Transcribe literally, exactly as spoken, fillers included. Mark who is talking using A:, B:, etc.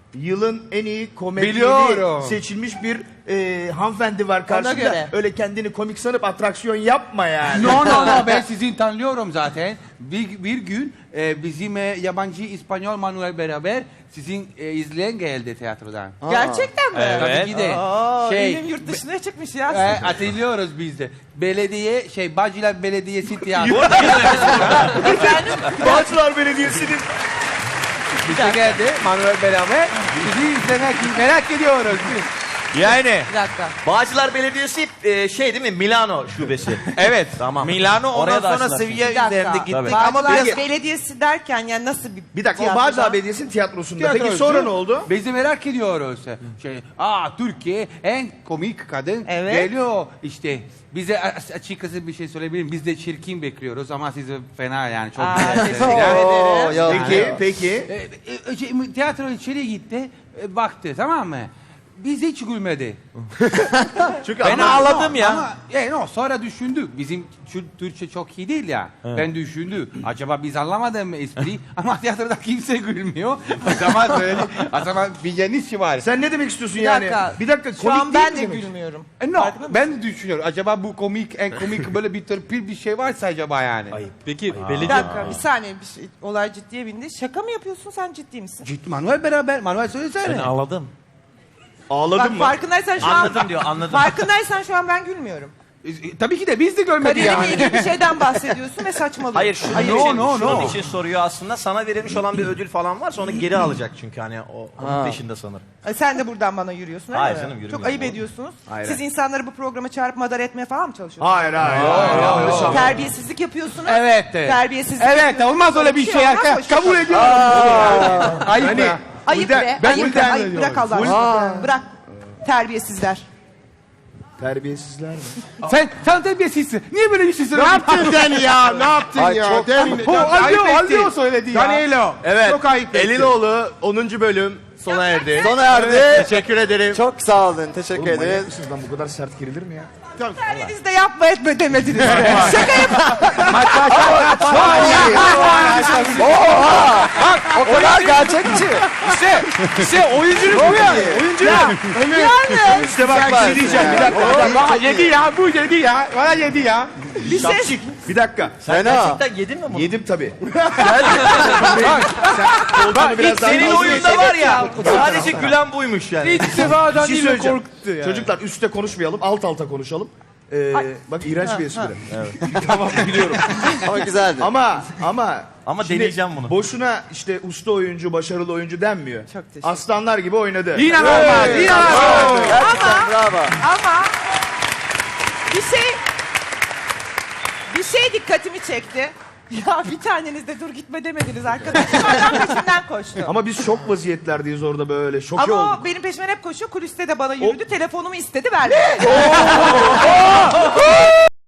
A: yılın en iyi komedyeni
B: Biliyorum.
A: seçilmiş bir e, hanımefendi var karşında.
C: göre.
A: Öyle kendini komik sanıp atraksiyon yapma yani.
B: No no no ben sizin tanıyorum zaten. Bir, bir gün e, bizim e, yabancı İspanyol Manuel beraber sizin e, izleyen geldi tiyatrodan.
C: Gerçekten mi?
B: Tabii ki de.
C: Aa,
B: Şey,
C: elim yurt dışına çıkmış ya.
B: e, hatırlıyoruz biz de. Belediye şey Bağcılar Belediyesi tiyatro.
C: Efendim?
A: Bağcılar Belediyesi'nin
B: Bize geldi Manuel beraber. Sizi izlemek merak ediyoruz biz.
D: Yani
C: Bir dakika.
E: Bağcılar Belediyesi e, şey değil mi? Milano şubesi.
D: evet.
E: Tamam.
D: Milano ondan
E: Oraya da
D: sonra
E: açtılar.
D: seviye
C: Bir dakika.
D: üzerinde gittik
E: Tabii.
D: ama
C: Bağcılar
D: biraz
C: Belediyesi derken yani nasıl bir
A: bir dakika o
C: tiyatroda?
A: Bağcılar Belediyesi'nin tiyatrosunda. Peki
B: Tiyatrocu.
A: sonra ne oldu?
B: Biz de merak ediyoruz. Şey, aa Türkiye en komik kadın
C: Evet.
B: geliyor işte. Bize a- açıkçası bir şey söyleyebilirim. Biz de çirkin bekliyoruz ama siz de fena yani çok
C: Aa,
B: güzel.
C: teşekkür
B: Yani-
C: ederim.
A: Peki, peki.
B: E, e, şey, tiyatro içeri gitti, e, baktı tamam mı? Biz hiç gülmedi.
A: Çünkü
D: ben
A: ama-
D: ağladım ya.
B: Ama e, no, sonra düşündük. Bizim Tür- Türkçe çok iyi değil ya. Ben düşündüm. Acaba biz anlamadık mı espri? Ama tiyatroda kimse gülmüyor. O zaman söyle. O zaman bir yanlış var.
A: Sen ne demek istiyorsun
C: Bir
A: yani?
C: dakika.
A: Bir dakika
C: Şu
A: komik
C: an
A: değil
C: ben
A: mi
C: de
A: demek?
C: gülmüyorum.
B: E, no,
C: Farkında mısın?
B: ben de düşünüyorum. Acaba bu komik, en komik böyle bir törpil bir şey varsa acaba yani.
D: Peki
C: Bir
D: belediye
C: dakika bir saniye bir şey, olay ciddiye bindi. Şaka mı yapıyorsun sen ciddi misin?
B: Ciddi Manuel beraber. Manuel söylesene.
D: ben ağladım.
A: Ağladın
C: Bak
A: mı?
C: farkındaysan şu an...
E: Anladım diyor, anladım.
C: Farkındaysan şu an ben gülmüyorum.
B: E, tabii ki de biz de görmedik
C: Kariyerime
B: yani.
C: ilgili bir şeyden bahsediyorsun ve saçmalıyorsun.
E: Hayır şunun,
B: Hayır,
E: için,
B: no, no,
E: şunun
B: no.
E: için soruyor aslında. Sana verilmiş olan bir ödül falan varsa onu geri alacak çünkü hani o onun peşinde sanırım.
C: E, Sen de buradan bana yürüyorsun öyle
E: Hayır
C: mi?
E: canım, yürümüyorum.
C: Çok ayıp ediyorsunuz.
A: Hayır,
C: Siz
A: hayır.
C: insanları bu programa çağırıp madara etmeye falan mı çalışıyorsunuz?
A: Hayır hayır. hayır, hayır, hayır.
C: Terbiyesizlik yapıyorsunuz.
B: Evet. evet.
C: Terbiyesizlik
B: Evet
C: yapıyorsunuz.
B: olmaz öyle bir şey.
C: olmaz,
B: Ka-
C: hoşça
B: kabul
C: kal.
B: ediyorum. Ayıp
A: Hani-
B: ya.
C: Ayıp
A: Ulden-
C: be.
A: ben
C: ayıp be.
A: ulden
C: Ayıp
A: ediyorum.
C: bırak Allah aşkına. Bırak. Terbiyesizler.
A: Terbiyesizler mi?
B: Sen, sen terbiyesizsin. Niye böyle bir şey
F: Ne
B: söylüyorsun?
F: yaptın Dani ya? Ne yaptın
A: Ay,
F: ya?
A: çok-
F: Demin,
B: O
F: ayıp
B: Aldo,
F: ettin.
B: Aldo söyledi ya.
F: Danilo.
A: Evet.
F: Çok ayıp ettin.
A: Elinoğlu onuncu bölüm sona erdi.
G: Sona erdi.
A: Teşekkür ederim.
G: Çok sağ olun. Teşekkür
A: Oğlum, manyak
G: ederiz.
A: mısınız lan bu kadar sert girilir mi ya?
C: Siz de yapma etme demediniz be. Şaka yap.
G: O kadar gerçekçi.
B: İşte, işte oyunculuk bu ya. Oyunculuk.
A: İşte bak bir şey diyeceğim bir dakika. Bir dakika.
B: Aa, yedi ya, bu yedi ya. Bana yedi ya.
C: Bir ses.
A: Bir dakika.
G: Fena.
E: Gerçekten yedin mi bunu?
A: Yedim tabii.
B: Bak,
A: biraz daha
E: Senin
A: fazla
E: oyunda var ya sadece gülen buymuş yani.
B: İlk defa
A: Bir şey
B: Danilo
A: söyleyeceğim.
B: korktu ya.
A: Çocuklar üstte konuşmayalım, alt alta konuşalım. Ee, bak iğrenç bir espri. Tamam biliyorum.
G: Ama güzeldi.
A: Ama ama
E: Ama
A: şimdi
E: deneyeceğim bunu.
A: Boşuna işte usta oyuncu, başarılı oyuncu denmiyor.
C: Çok teşekkür
A: Aslanlar gibi oynadı.
B: İnanılmaz, inanılmaz.
G: Gerçekten bravo.
C: Ama bir şey bir şey dikkatimi çekti. Ya bir taneniz de dur gitme demediniz arkadaşlar. Adam peşinden koştu.
A: Ama biz şok vaziyetlerdeyiz orada böyle. Şoke
C: Ama
A: olduk.
C: o benim peşimden hep koşuyor. Kuliste de bana yürüdü. Telefonumu istedi verdim.